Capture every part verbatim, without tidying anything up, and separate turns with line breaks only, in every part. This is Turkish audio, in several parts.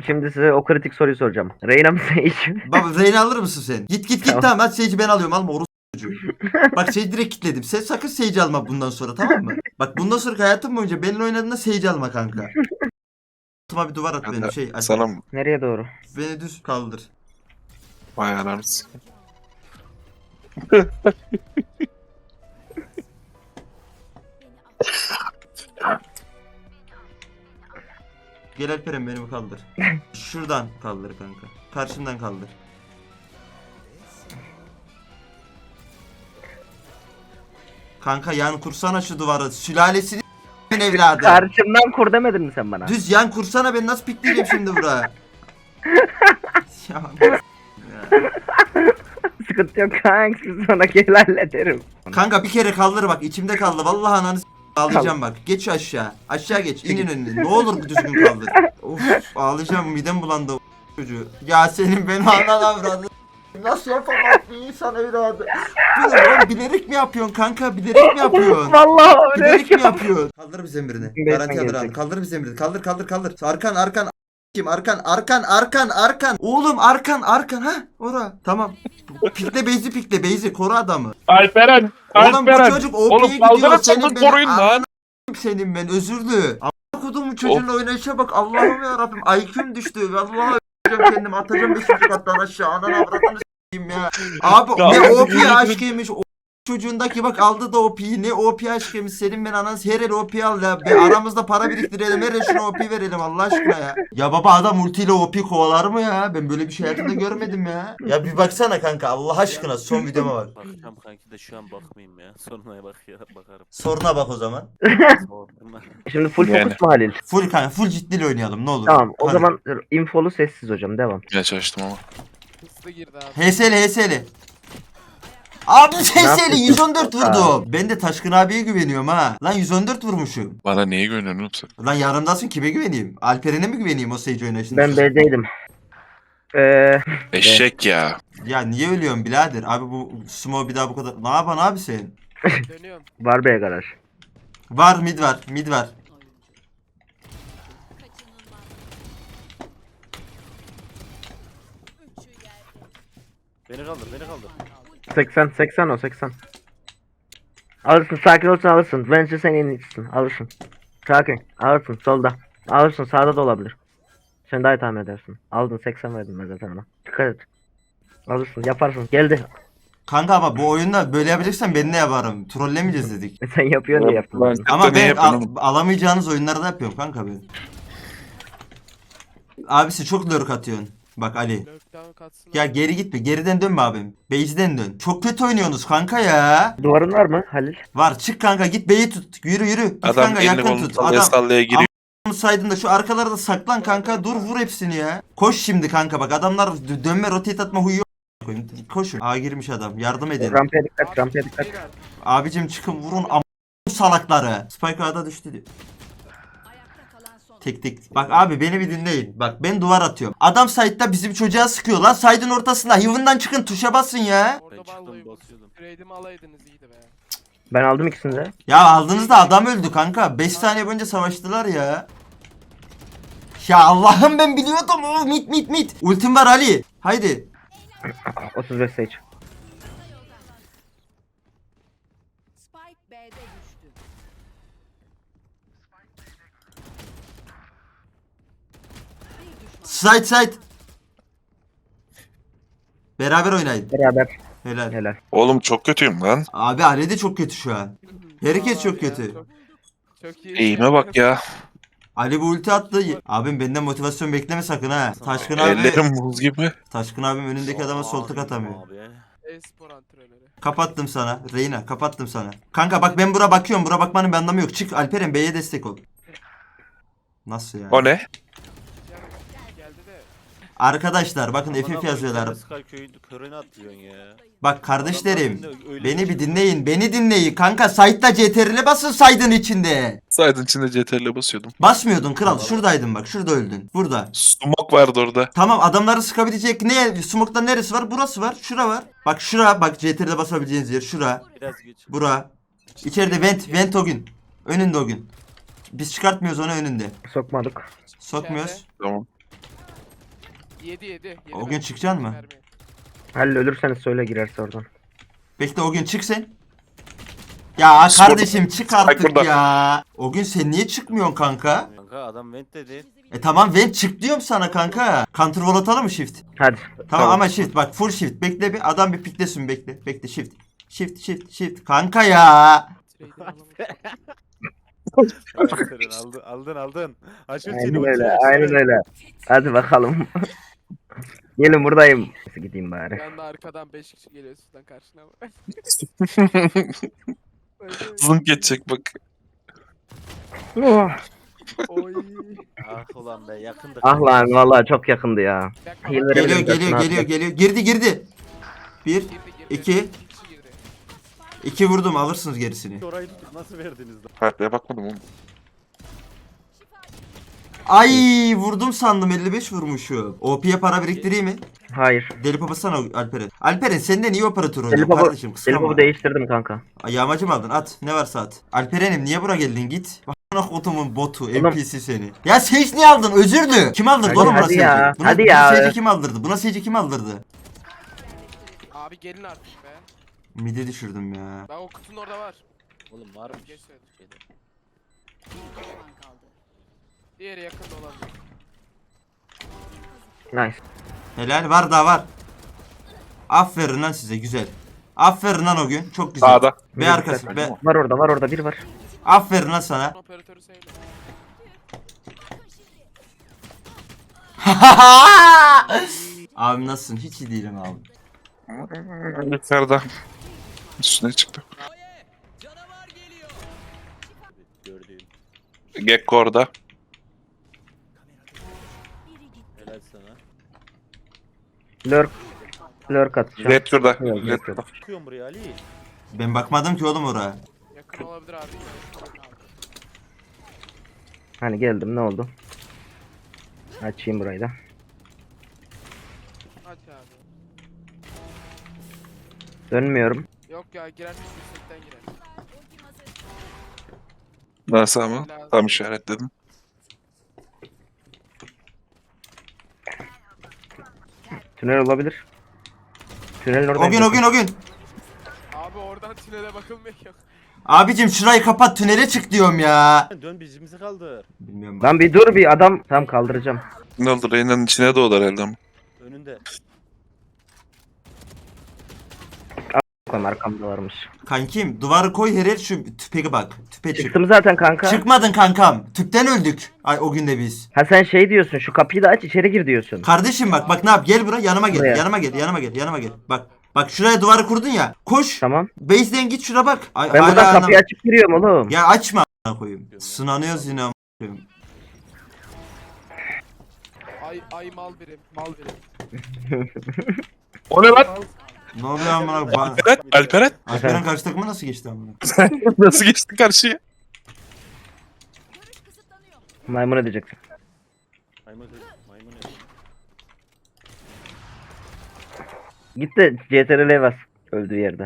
Şimdi size o kritik soruyu soracağım. Reyna mı Sage?
Baba Reyna alır mısın sen? Git git git
Tamam.
tamam hadi Sage'i ben alıyorum alma orospu çocuğu. Bak Sage'i direkt kilitledim. Sen sakın Sage'i alma bundan sonra tamam mı? Bak bundan sonra hayatım boyunca benimle oynadığında Sage'i alma kanka. Altıma bir duvar at
Ben
benim
de
şey. Aç,
sana mı?
Nereye doğru?
beni düz kaldır.
Vay anarız.
Gel Alperen beni kaldır. Şuradan kaldır kanka. Karşımdan kaldır. Kanka yan kursana şu duvarı. Sülalesini evladı.
Karşımdan kur demedin mi sen bana?
Düz yan kursana ben nasıl pikleyeceğim şimdi buraya? Ya,
Sıkıntı yok kanka, siz sonra gel hallederim.
kanka bir kere kaldır bak içimde kaldı. Vallahi ananı s- ağlayacağım bak. Geç şu aşağı. Aşağı geç. İnin önüne. Ne olur düzgün kaldır. Of ağlayacağım midem bulandı o çocuğu. Ya senin beni anan avradı. Nasıl yapamaz bir insan evladı? Bu ne oğlum bilerek mi yapıyorsun kanka? Bilerek mi yapıyorsun?
Vallahi öyle.
Bilerek mi yapıyorsun? Kaldır bize emrini.
Ben
Garanti alır
gelecek.
abi. Kaldır bize emrini. Kaldır kaldır kaldır. Arkan arkan. Kim arkan arkan arkan arkan. Oğlum arkan arkan ha ora. Tamam. Pikle beyzi pikle beyzi koru adamı.
Alperen!
Oğlum bu
Alperen!
çocuk
Oğlum
O P'ye gidiyor.
kaldırırsanız
Senin beni
koruyun lan!
ananı senin ben özürlü. Amma kodumun çocuğunla oynayışa bak. Allah'ım ya Rabbim. I Q'm düştü. Vallahi a**acağım kendimi atacağım beşinci kattan aşağı. Ananı avradını s**eyim ya. Abi ne O P aşkıymış. O çocuğundaki bak aldı da O P'yi. Ne O P aşkıymış. Senin ben ananı her el O P al ya. Be, aramızda para biriktirelim. Her el şuna O P verelim Allah aşkına ya. Ya baba adam ultiyle O P kovalar mı ya? Ben böyle bir şey hayatımda görmedim ya. Ya bir baksana kanka Allah aşkına son videoma bak.
Bakacağım kanki de şu an bakmayayım ya. Sonuna bak ya bakarım.
Soruna bak o zaman.
Sonra.
Şimdi full
Yani.
fokus mu Halil?
Full kanka full ciddiyle oynayalım ne olur.
Tamam o
Hadi.
zaman infolu sessiz hocam, devam.
Geç açtım ama.
Hızlı girdi abi.
H S L H S L. Abi H S L
yapıyorsun?
yüz on dört vurdu. Ben de Taşkın abiye güveniyorum ha. Lan yüz on dört vurmuşum.
Bana neye güveniyorsun oğlum sen?
Lan yarımdasın kime güveneyim? Alperen'e mi güveneyim o Sage oynayışında?
Ben B'deydim. Eee
Eşek ya.
Ya niye ölüyorsun birader? Abi bu Sumo bir daha bu kadar... Ne yapan abi sen?
Dönüyorum.
var B garaj.
Var mid var mid var.
Beni kaldır beni kaldır.
seksen seksen o seksen. Alırsın, sakin olsun, alırsın. Bence sen en iyisisin, alırsın. Sakin alırsın, solda. Alırsın, sağda da olabilir. Sen daha iyi tahmin edersin. Aldın, seksen verdim ben zaten ona. Dikkat et. Alırsın, yaparsın. Geldi.
Kanka ama bu oyunda böyle yapacaksan ben ne yaparım? Trollemeyeceğiz dedik.
Sen yapıyorsun diye yaptın.
Lan,
Ama
ne
ben
yapıyorsun
al-
oğlum?
alamayacağınız oyunlarda yapıyorum kanka ben. Abisi çok lurk atıyorsun. Bak Ali.
Lockdown katsın.
Ya geri gitme. Geriden dönme abim. Base'den dön. Çok kötü oynuyorsunuz kanka ya.
Duvarın var mı Halil?
Var çık kanka git B'yi tut. Yürü yürü. Git
Adam
kanka
elini
yakın
kolunu
tut.
sallaya
Adam
sallaya giriyor.
saydın da şu arkalarda saklan kanka. Dur vur hepsini ya. Koş şimdi kanka bak adamlar dö- dönme rotate atma huyu koyun. Koşun. A girmiş adam. Yardım edin.
Rampaya dikkat, rampaya dikkat.
Abicim çıkın vurun am salakları. Spike A'da düştü diyor. Tek tek. Bak abi beni bir dinleyin. Bak ben duvar atıyorum. Adam side'da bizim çocuğa sıkıyor lan. Side'ın ortasında. Heaven'dan çıkın tuşa basın ya.
Ben
Orada
çıktım
vallahi
basıyordum.
Trade'imi alaydınız iyiydi be.
Ben aldım ikisini de.
Ya aldığınızda adam öldü kanka. beş saniye boyunca savaştılar ya. Ya Allah'ım ben biliyordum. Oh, mit mit mit. Ultim var Ali. Haydi.
otuz beş Sage.
Spike B'de düştü. Bir düşman.
Side side. Beraber oynayın.
Beraber.
Helal.
Helal.
Oğlum çok kötüyüm lan.
Abi Ali de çok kötü şu an. Herkes
Abi
çok
ya,
kötü.
Çok, çok iyi.
Eğime bak ya.
Ali bu ulti attı. Abim benden motivasyon bekleme sakın ha. Taşkın abi.
Ellerim buz gibi.
Taşkın abim önündeki adama sol tık atamıyor.
Abi.
E-spor antrenörü.
Kapattım sana. Reyna kapattım sana. Kanka bak ben bura bakıyorum. Bura bakmanın bir anlamı yok. Çık Alperen B'ye destek ol. Nasıl yani?
O ne?
Yani geldi de.
Arkadaşlar bakın F F yazıyorlar.
Sky köyün körüne atlıyorsun ya.
Bak kardeşlerim.
Adamlar öyle
Beni bir
şey-
dinleyin. Beni dinleyin. Kanka site'da C T R L'e basın saydın içinde.
Saydın içinde C T R L basıyordum.
Basmıyordun kral. Şuradaydın bak. Şurada öldün. Burada.
Smoke vardı orada.
Tamam adamları sıkabilecek ne? Smoke'tan neresi var? Burası var. Şura var. Bak şura. Bak C T R L'e basabileceğiniz yer. Şura.
Biraz geç.
Bura. İçeride vent. Vent o gün. Önünde o gün. Biz çıkartmıyoruz onu önünde.
Sokmadık.
Sokmuyoruz.
Tamam.
Yedi yedi. yedi
O gün
mermi,
çıkacaksın
yedi
mı?
mermi.
Halil ölürseniz söyle girerse oradan.
Bekle o gün çık sen. Ya
Spor-
kardeşim çık artık
burada.
ya. O gün sen niye çıkmıyorsun kanka?
Kanka adam vent dedi.
E tamam ben çık diyorum sana kanka. Counter wall atalım mı shift?
Hadi.
Tamam,
Tamam.
ama shift bak full shift. Bekle bir adam bir piklesin bekle. Bekle shift. Shift shift shift. Kanka ya.
Trader alamadım.
Aferin aldın aldın aldın. Aç ultini
Aynen
ultini
öyle.
aç.
Aynen öyle. Hadi bakalım. Gelin buradayım. Nasıl gideyim bari.
Ben de arkadan beş kişi geliyor sizden karşına.
Zınk geçecek bak.
Oh.
Oy.
Ah ulan be yakındık.
Ah lan vallahi çok yakındı ya.
Yakma
Healer-
bak.
Geliyor
Verebilirim,
geliyor
zaten
geliyor
abi.
geliyor. Girdi girdi. Bir.
Girdi girdi.
İki.
İki kişi girdi.
iki vurdum alırsınız gerisini.
Orayı tutup nasıl verdiniz lan?
Harbiye bakmadım oğlum.
Ay vurdum sandım elli beş vurmuşum. O P'ye para biriktireyim mi?
Hayır.
Deli papasana Alperen. Alperen senden iyi operatör
Deli
oynuyor
baba,
kardeşim
deli
kıskanma.
baba değiştirdim kanka.
Ay, yağmacı mı aldın at ne varsa at. Alperen'im niye bura geldin git. Bana kodumun botu N P C seni. Ya Sage niye aldın özürdü. Kim aldırdı
Hadi,
oğlum buna
hadi
Sage'i?
ya,
Buna,
hadi
buna
ya.
Sage'i kim aldırdı? Buna Sage'i kim aldırdı?
Abi gelin artık be.
Midi düşürdüm ya.
Bak o kutunun orada var.
Oğlum var mı?
Geç söyledim.
Bir düşman kaldı.
Diğeri yakında olabilir.
Nice.
Helal var daha var. Aferin lan size güzel. Aferin lan o gün çok güzel.
Sağda.
Be arkası be.
Var orada var orada biri var.
Aferin lan sana.
Operatörü söyle.
Abi nasılsın? Hiç iyi değilim abi.
Yukarıda. Üstüne çıktı.
Gördüğüm.
Gekko orada.
Helal sana.
Lurk. Lurk atacağım.
Red şurada.
Yok,
Red
yok,
şurada.
Çıkıyorum buraya Ali.
Ben bakmadım ki oğlum oraya.
Yakın olabilir abi.
Hani geldim ne oldu? Açayım burayı da.
Aç abi.
Dönmüyorum.
Yok ya girersin yüksekten girer.
Nasıl ama? Tam işaretledim.
Tünel olabilir. Tünelin orada.
O gün o gün o gün.
Abi oradan tünele bakılmıyor ki.
Abicim şurayı kapat tünele çık diyorum ya.
Dön bizimizi kaldır.
Bilmiyorum.
Lan bir dur bir adam. Tam kaldıracağım.
Ne oldu? Reyna'nın içine doğdu herhalde ama.
Önünde.
Koyma arkamda varmış.
Kankim duvarı koy her yer şu tüpeye bak. Tüpe çık.
Çıktım zaten kanka.
Çıkmadın kankam. Tüpten öldük. Ay o gün de biz.
Ha sen şey diyorsun şu kapıyı da aç içeri gir diyorsun.
Kardeşim bak bak ne yap gel buraya yanıma gel.
Buraya.
Yanıma gel yanıma gel yanıma gel. Bak bak şuraya duvarı kurdun ya. Koş.
Tamam.
Base'den git şuna bak. Ay,
Ben
hala
buradan
anlam-
kapıyı açıp giriyorum oğlum.
Ya açma a**ına koyayım. Sınanıyoruz yine a**ına koyayım.
Ay ay mal birim. Mal birim.
O ne lan?
Ne oluyor amına koyayım?
Alperen. Alperen.
Alperen karşı takıma nasıl geçti amına?
Nasıl geçtin karşıya?
Maymun edeceksin.
Maymun maymun.
Git de C T R L'ye bas. Öldüğü yerde.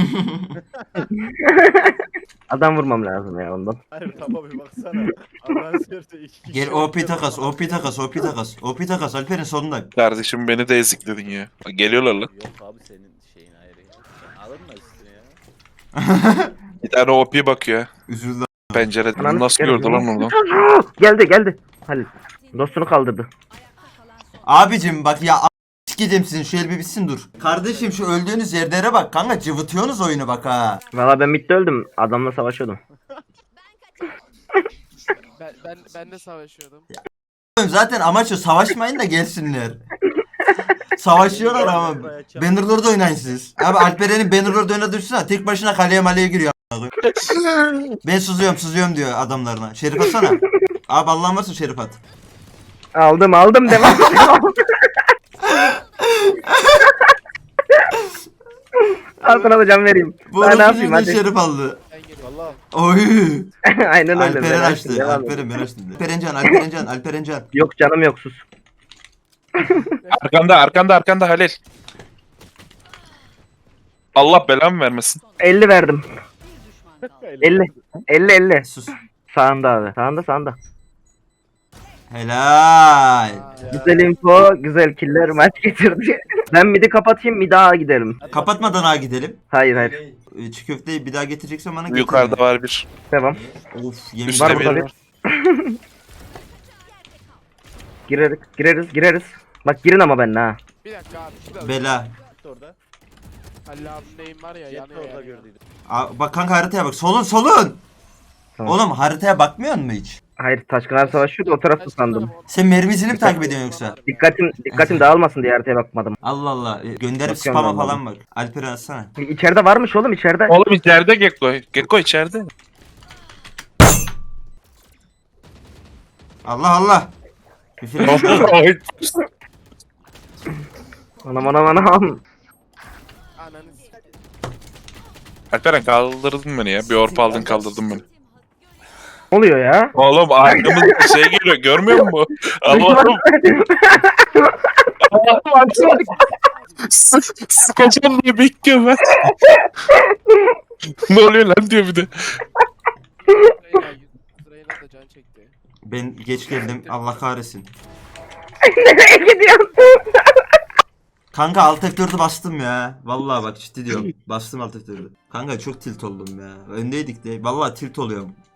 Adam vurmam lazım ya ondan.
Hayır tamam bir baksana. Allah'ın seversen iki kişi.
Gel O P takas, O P takas, O P takas. O P takas Alperen sonunda.
Kardeşim beni de ezikledin ya. Geliyorlar lan.
Yok abi senin şeyin ayrı ya. Sen alır mı üstüne ya?
Bir tane O P bakıyor.
Üzüldü.
Pencereden.
Ananı
Nasıl
sikerim
gördü lan
ya.
oradan?
Geldi geldi. Halil. Dostunu kaldırdı.
Abicim bak ya a- sikeceğim sizin şu el bir bitsin dur. Kardeşim şu öldüğünüz yerlere bak kanka cıvıtıyorsunuz oyunu bak ha.
Valla ben midde öldüm. Adamla savaşıyordum.
Ben ben ben de savaşıyordum.
Zaten amaç o savaşmayın da gelsinler. Savaşıyorlar ama Bannerlord'da oynayın siz. Abi Alperen'in Bannerlord'da oynadığı düşünsene tek başına kaleye maleye giriyor. Ben sızıyorum sızıyorum diyor adamlarına. Şerif atsana. Abi Allah'ın varsa şerif at.
Aldım aldım devam. Al sana da can vereyim.
Bu
Ben ne
arada
yapayım hadi.
şerif aldı.
Ben geliyorum.
Valla.
Oy.
Aynen öyle.
Alperen
ben
açtı.
devam
Alperen
edeyim.
ben açtım. Alperencan, Alperencan, Alperencan.
Yok canım yok sus.
Arkanda arkanda arkanda Halil. Allah belamı vermesin.
elli verdim.
Bir düşman kaldı.
elli. elli elli.
Sus.
Sağında abi. Sağında sağında.
Helal.
Güzel info, güzel killer maç getirdi. Ben midi kapatayım, midi A gidelim.
Kapatmadan ha gidelim.
Hayır hayır.
Ee, Çiğ köfteyi bir daha getireceksen bana getir.
Yukarıda var bir.
Devam.
Of yemin
Üstte
Var
bir
burada
var.
bir. Gireriz, gireriz, gireriz. Bak girin ama benimle ha.
Bir dakika abi. Şurada.
Bela.
Orada.
Halil abinin neyim var ya
Jet
yanıyor
orada
yani.
gördüydüm.
Aa, bak kanka haritaya bak. Solun solun.
Tamam.
Oğlum haritaya bakmıyor musun hiç?
Hayır, Taşkınlar savaşıyordu, o tarafta sandım.
Sen mermisini mi takip ediyorsun yoksa?
Dikkatim, dikkatim dağılmasın diye haritaya bakmadım.
Allah Allah. e, Gönderip
Bakıyorum
spam'a
ben
falan bak. Alperen atsana.
İçeride varmış oğlum, içeride.
Oğlum içeride Gekko. Gekko içeride.
Allah Allah. Küfür etme.
Oy.
Anam anam anam.
Ananı s-
Alperen kaldırdın beni ya. Bir orpa aldın kaldırdın beni.
Ne oluyor ya?
Oğlum arkamızda şey geliyor görmüyor musun? Allah'ım. Allah'ım açmadık. Sıkacağım diye bekliyorum ben. Ne oluyor lan diyor bir de.
Reyna, Reyna da can çekti.
Ben geç geldim. Allah kahretsin.
Nereye gidiyorsun?
Kanka alt F dördü bastım ya. Vallahi bak ciddi diyorum. Bastım alt F dördü. Kanka çok tilt oldum ya. Öndeydik de. Vallahi tilt oluyorum.